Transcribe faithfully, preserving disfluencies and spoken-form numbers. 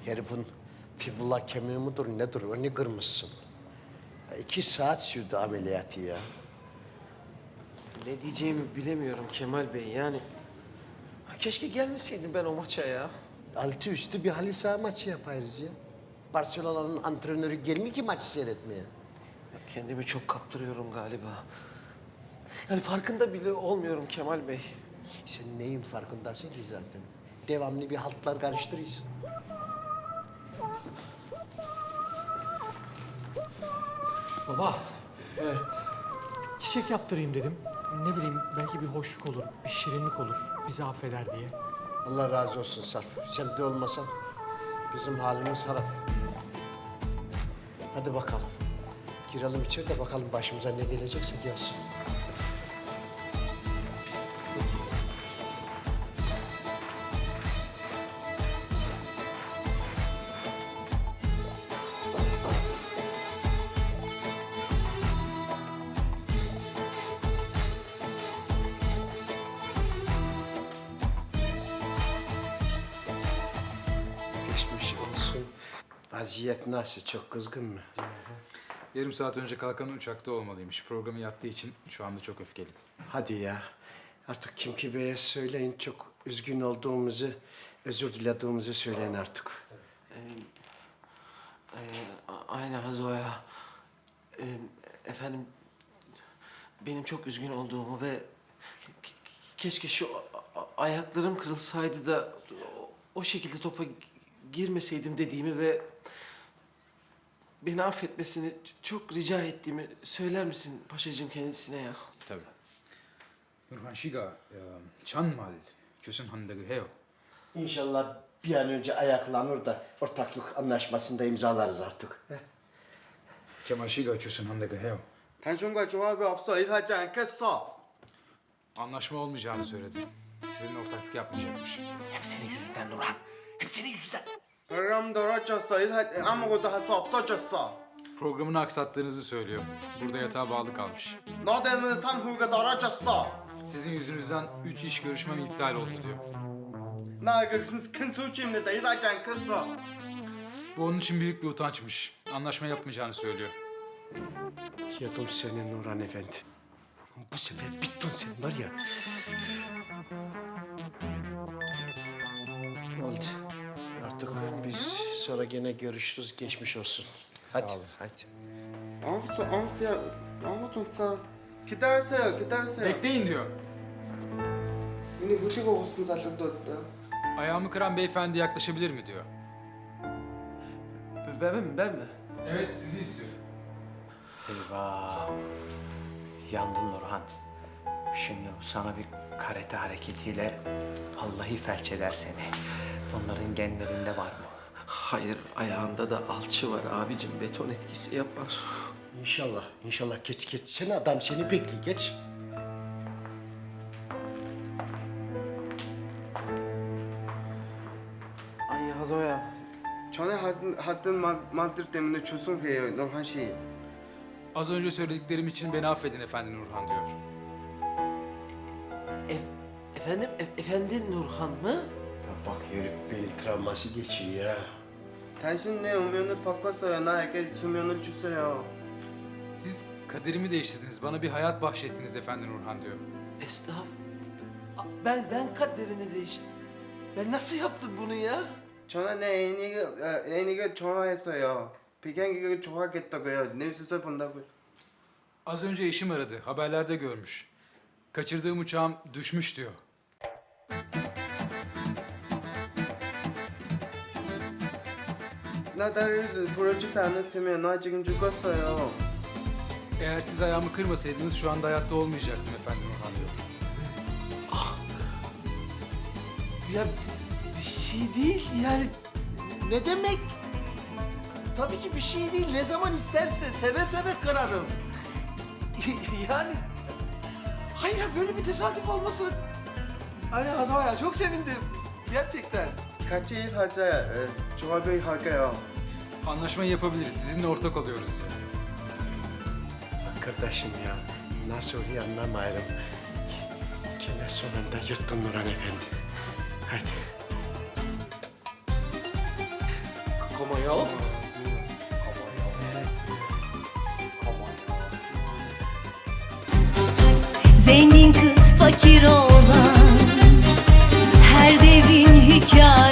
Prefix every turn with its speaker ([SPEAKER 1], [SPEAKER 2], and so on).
[SPEAKER 1] Herifin fibula kemiği midir nedir onu kırmışsın. Ya iki saat sürdü ameliyatı ya.
[SPEAKER 2] Ne diyeceğimi bilemiyorum Kemal Bey yani. Ha, keşke gelmeseydim ben o maça ya.
[SPEAKER 1] Altı üstü bir halı saha maçı yaparız ya. Barcelona'nın antrenörü gelmiyor ki maçı seyretmeye.
[SPEAKER 2] Ya kendimi çok kaptırıyorum galiba. Yani farkında bile olmuyorum Kemal Bey.
[SPEAKER 1] Sen neyin farkındasın ki zaten? Devamlı bir haltlar karıştırıyorsun.
[SPEAKER 3] Baba. Çiçek yaptırayım dedim. Ne bileyim belki bir hoşluk olur, bir şirinlik olur. Bizi affeder diye.
[SPEAKER 1] Allah razı olsun Sarp. Sen de olmasan bizim halimiz harap. Hadi bakalım. Girelim içeri de bakalım başımıza ne gelecekse gelsin. Geçmiş olsun. Vaziyet nasıl? Çok kızgın mı?
[SPEAKER 4] Yarım saat önce kalkan uçakta olmalıymış. Programı yattığı için şu anda çok öfkeli.
[SPEAKER 1] Hadi ya. Artık Kimki Bey'e söyleyin. Çok üzgün olduğumuzu, özür dilediğimizi söyleyin artık.
[SPEAKER 2] Ee, a- aynen Hazoya. Ee, efendim, benim çok üzgün olduğumu ve ke- keşke şu a- a- ayaklarım kırılsaydı da o, o şekilde topa gi- girmeseydim dediğimi ve beni affetmesini çok rica ettiğimi söyler misin paşacığım kendisine ya?
[SPEAKER 4] Tabii. Nurhan Şiga, Çanmal, Kösün Han'daki heo.
[SPEAKER 1] İnşallah bir an önce ayaklanır da ortaklık anlaşmasında imzalarız artık. Heh.
[SPEAKER 4] Kemal Şiga, Kösün Han'daki heo.
[SPEAKER 5] 당신과 조합이 없어 일하지 않겠어.
[SPEAKER 4] Anlaşma olmayacağını söyledi. Sizinle ortaklık yapmayacakmış.
[SPEAKER 2] Hep senin yüzünden Nurhan. Hep senin yüzünden.
[SPEAKER 5] 그럼 떨어졌어. 일 아무것도 할 수 없어졌어.
[SPEAKER 4] Programını aksattığınızı söylüyor. Burada yatağa bağlı kalmış.
[SPEAKER 5] 너 때문에 삼후가 떨어졌어.
[SPEAKER 4] Sizin yüzünüzden üç iş görüşmem iptal oldu diyor.
[SPEAKER 5] 나그큰 수치입니다. 일하지 않겠어.
[SPEAKER 4] Bu onun için büyük bir utançmış. Anlaşma yapmayacağını söylüyor.
[SPEAKER 1] Yedim seni Nurhan Efendi. Bu sefer bittin sen var ya. Oldu. Artık biz sonra gene görüşürüz. Geçmiş olsun. Hadi.
[SPEAKER 4] olun.
[SPEAKER 1] Hadi.
[SPEAKER 5] 아무것도 아무것도 아무것도 없어. 기다리세요. 기다리세요.
[SPEAKER 4] Bekleyin diyor.
[SPEAKER 5] 이니 흘리고 옷은 살림도 없다.
[SPEAKER 4] Ayağımı kıran beyefendi yaklaşabilir mi diyor.
[SPEAKER 2] Ben mi? Ben mi?
[SPEAKER 4] Evet, sizi istiyor.
[SPEAKER 6] Eyvah! Yandın Nurhan. Şimdi sana bir karate hareketiyle vallahi felç eder seni. Bunların genlerinde var mı?
[SPEAKER 2] Hayır, ayağında da alçı var abicim. Beton etkisi yapar.
[SPEAKER 1] İnşallah. İnşallah geç geç. Sen adam seni bekliyor. Geç.
[SPEAKER 2] Ay Hazoya.
[SPEAKER 5] 전에 하던, 하던 말, 말들 때문에 죄송해요, 노한 씨.
[SPEAKER 4] Az önce söylediklerim için beni affedin efendi Nurhan diyor.
[SPEAKER 2] E- efendim, e- efendi Nurhan mı?
[SPEAKER 1] Ya bak herif beyin travması geçiyor ya.
[SPEAKER 5] 당신 내 운명을 바꿨어요. 나에게 수면을 주세요.
[SPEAKER 4] Siz kaderimi değiştirdiniz, bana bir hayat bahşettiniz efendi Nurhan diyor.
[SPEAKER 2] Estağfurullah. A- Ben, ben kaderini değiştim. Ben nasıl yaptım bunu ya?
[SPEAKER 5] 저는 내 애인이가, 아, 애인이가 좋아했어요. 비경이가 좋아하겠다고요. 뉴스에서 본다고요.
[SPEAKER 4] Az önce eşim aradı, haberlerde görmüş. Kaçırdığım uçağım düşmüş diyor.
[SPEAKER 5] 나 나를 부러지지 않았으면 나 지금 죽었어요.
[SPEAKER 4] Eğer siz ayağımı kırmasaydınız şu anda hayatta olmayacaktım efendi Nurhan diyor.
[SPEAKER 2] Ya bir şey değil yani. Ne demek? Tabii ki bir şey değil. Ne zaman isterse seve seve kırarım. yani... Hayır ya, böyle bir tesadüf olmasın. Aynen Hazoya, çok sevindim. Gerçekten.
[SPEAKER 5] 같이 일하자. 에, 조합을 할게요.
[SPEAKER 4] Anlaşmayı yapabiliriz, sizinle ortak oluyoruz.
[SPEAKER 1] Arkadaşım ya. Nasıl oluyor anlamıyorum. Gene sonunda yırttın Nurhan Efendi. Hadi.
[SPEAKER 2] Ama ya.
[SPEAKER 7] Zengin kız fakir olan her devrin hikayesi.